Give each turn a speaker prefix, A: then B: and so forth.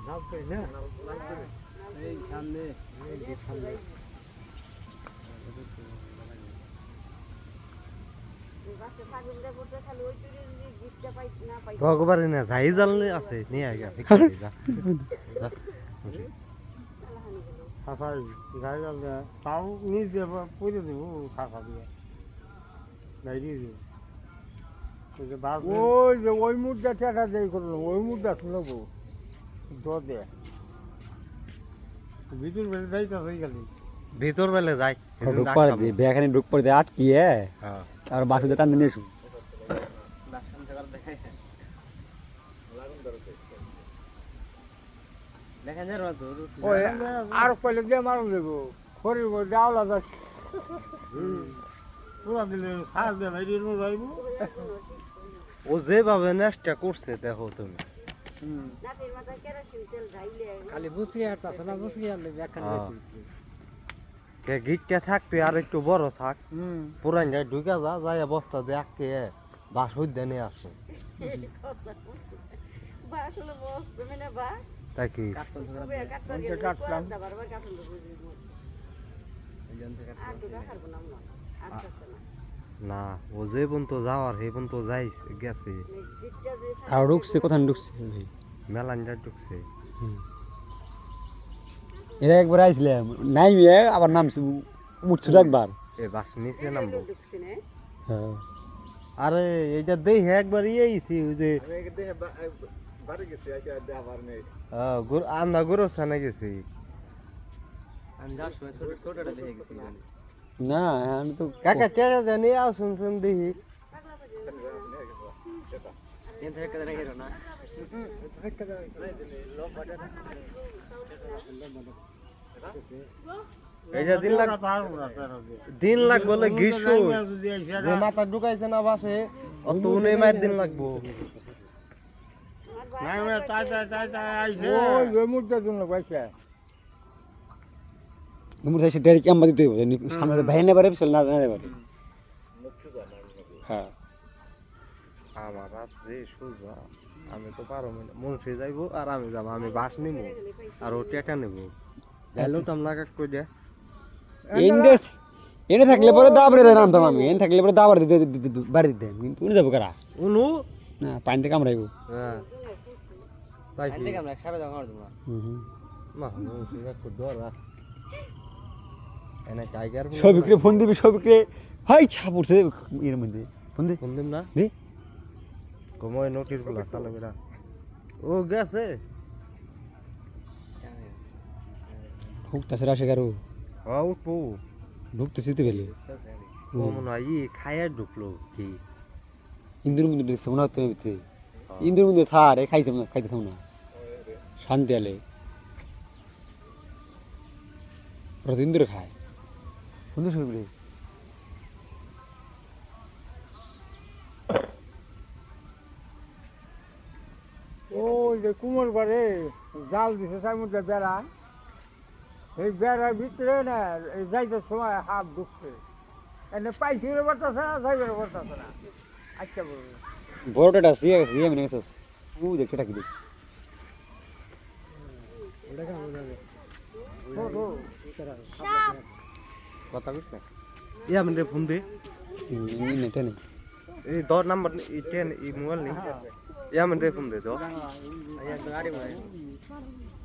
A: নামবে না এই সামনে এই সামনে ভগবান না যাই জানলে আছে নিয়ে আগে খাসা গাড়ি জাল তাও নিয়ে দেব পরে দেবো খাসা দিয়ে গাড়ি দিয়ে দেবো ওই যে ওই মুদ্রা টাকা দিয়ে করলাম ওই মুদ্রা শুনবো দে ভিতর বেলে যাইতেছে খালি ভিতর বেলে যাই
B: ঢুক পড়ে দি বেখানে ঢুক পড়ে আটকিয়ে আর বাসুদে টান নিয়ে এসো
A: আর পয়লে দিয়ে মারুন দেবো খড়ির মধ্যে আওলা যাচ্ছে পুরা দিলে সার দিয়ে ভাই যাইব ও যেভাবে নেশটা করছে দেখো তুমি খালি বুঝি আর তা না বুঝি আর গিটটা থাকবে আর একটু বড় থাক পুরান যায় ঢুকে যা যাই বস্তা দিয়ে আঁকে বাস হইতে নিয়ে আসো তাই কি কাটলাম না ও যে পর্যন্ত যাওয়ার সেই পর্যন্ত যাই গেছে
B: আর ঢুকছে কোথায় ঢুকছে
A: মেলানটা ঢুকছে
B: এরা একবার আইছিলাম নাই আবার নামছে উঠছিল একবার
A: এ বাস নিচে নামবো
B: হ্যাঁ
A: আরে এইটা দেখে একবার ইয়েছি ওই যে আমরা গোরস্থানে গেছি
B: না আমি তো
A: কাকা টেরা জানি শুনছেন দেখি দিন লাগবো গ্রীষ্ম যে মাথা ঢুকাইছে না বাসে অত উনি মায়ের দিন লাগবো
B: সামনে ভাই না পারে পিছনে না পারে হ্যাঁ
A: আমার রাত যে সোজা আমি তো পারো মনসে যাইবো আর আমি যাবো আমি বাস নিবো আর ও টেকা নেবো লোকটাম লাগা কই দে
B: এনে থাকলে পরে দাবরে নামতাম আমি এনে থাকলে পরে দাবার দিতে বাড়ি দিতে কিন্তু উনি যাবো কারা
A: উনু
B: না পানিতে কামড়াইব
A: হ্যাঁ তাই কি কামড়া সারা জায়গা মার দিমা মা মনসে কো ডরা এনে টাইগার
B: সবিকরে ফোন দিবি সবিকরে হাই ছাপড়ছে এর মধ্যে ফোন
A: দিম না
B: দি
A: কময় নোটিস গুলা চালা বেড়া ও গেছে
B: ঢুকতেছে রাশে কারো
A: উঠবো
B: ঢুকতেছি তো বেলে
A: ও মনে হয় খাইয়া ঢুকলো কি
B: ইন্দুর মধ্যে ঢুকছে মনে হচ্ছে ভিতরে ইন্দুর মধ্যে থার খাইছে না খাইতে থাম না শান্তি আলে ইন্দুর খায় বন্ধু সবরে ওই যে কুমোর বারে জাল দিছে তার মধ্যে বেড়া এই বেড়ার ভিতরে না যাইতে সময় হাফ ঢুকছে এনে পাইছিরে বলতেছে না যাইবে বলতেছে না আচ্ছা বলবো বড়টা সিয়ে গেছে ইয়ে মনে গেছে ও দেখে টাকি দেখ
A: কথা বুঝতে ইয়া মানে ফোন দে
B: নেটে নেই
A: এই 10 নাম্বার এই 10 এই মোবাইল নেই ইয়া মানে ফোন দে তো